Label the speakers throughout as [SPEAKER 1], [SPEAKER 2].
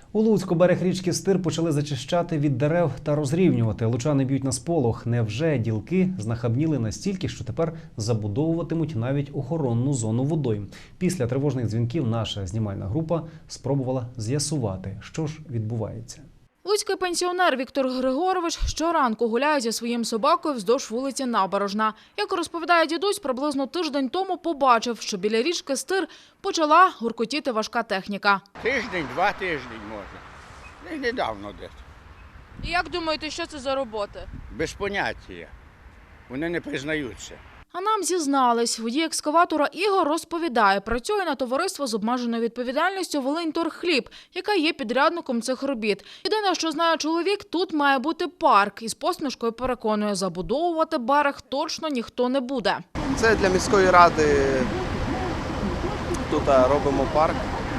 [SPEAKER 1] У Луцьку берег річки Стир почали зачищати від дерев та розрівнювати. Лучани б'ють на сполох. Невже ділки знахабніли настільки, що тепер забудовуватимуть навіть охоронну зону водойм? Після тривожних дзвінків наша знімальна група спробувала з'ясувати, що ж відбувається.
[SPEAKER 2] Луцький пенсіонер Віктор Григорович щоранку гуляє зі своїм собакою вздовж вулиці Набережна. Як розповідає дідусь, приблизно тиждень тому побачив, що біля річки Стир почала гуркотіти важка техніка.
[SPEAKER 3] Тиждень, 2 тижні можна. І недавно десь.
[SPEAKER 2] І як думаєте, що це за роботи?
[SPEAKER 3] Без поняття. Вони не признаються.
[SPEAKER 2] А нам зізнались. Водій екскаватора Ігор розповідає, працює на товариство з обмеженою відповідальністю «Волиньторгхліб», яка є підрядником цих робіт. Єдине, що знає чоловік, тут має бути парк. І з посмішкою переконує, забудовувати берег точно ніхто не буде.
[SPEAKER 4] Це для міської ради. Тут робимо парк.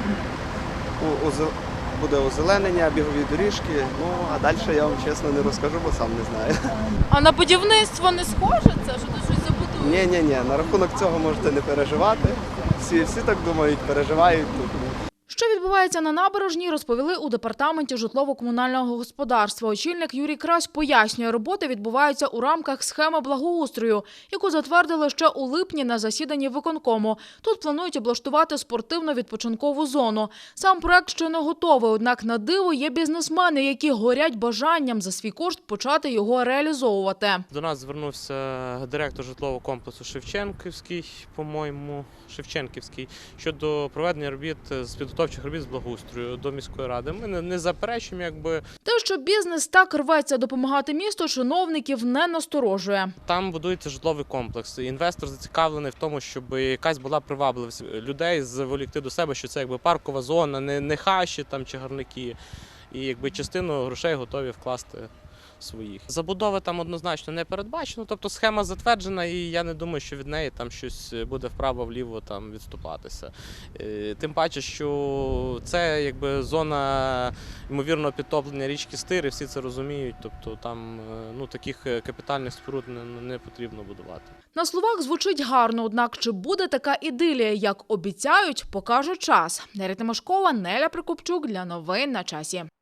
[SPEAKER 4] Буде озеленення, бігові доріжки. Ну, а далі я вам чесно не розкажу, бо сам не знаю.
[SPEAKER 2] А на будівництво не схоже це, що ти щось забудуєш?
[SPEAKER 4] Ні, на рахунок цього можете не переживати. Всі так думають, переживають тут.
[SPEAKER 2] Що відбувається на набережній, розповіли у департаменті житлово-комунального господарства. Очільник Юрій Крась пояснює, роботи відбуваються у рамках схеми благоустрою, яку затвердили ще у липні на засіданні виконкому. Тут планують облаштувати спортивно-відпочинкову зону. Сам проект ще не готовий, однак на диво є бізнесмени, які горять бажанням за свій кошт почати його реалізовувати.
[SPEAKER 5] До нас звернувся директор житлового комплексу Шевченківський, щодо проведення робіт з підготовчих робіт з благоустрою до міської ради. Ми не заперечуємо,
[SPEAKER 2] Те, що бізнес так рветься допомагати місту, чиновників не насторожує.
[SPEAKER 5] Там будується житловий комплекс. Інвестор зацікавлений в тому, щоб якась була привабливість людей заволікти до себе, що це паркова зона, не хащі там чи гарники. І частину грошей готові вкласти своїх. Забудови там однозначно не передбачено, тобто схема затверджена, і я не думаю, що від неї там щось буде вправо-вліво там відступатися. Тим паче, що це зона ймовірного підтоплення річки Стир, і всі це розуміють, тобто там таких капітальних споруд не потрібно будувати.
[SPEAKER 2] На словах звучить гарно, однак чи буде така ідилія, як обіцяють, покаже час. Неля Тимошкова, Неля Прикопчук для новин на часі.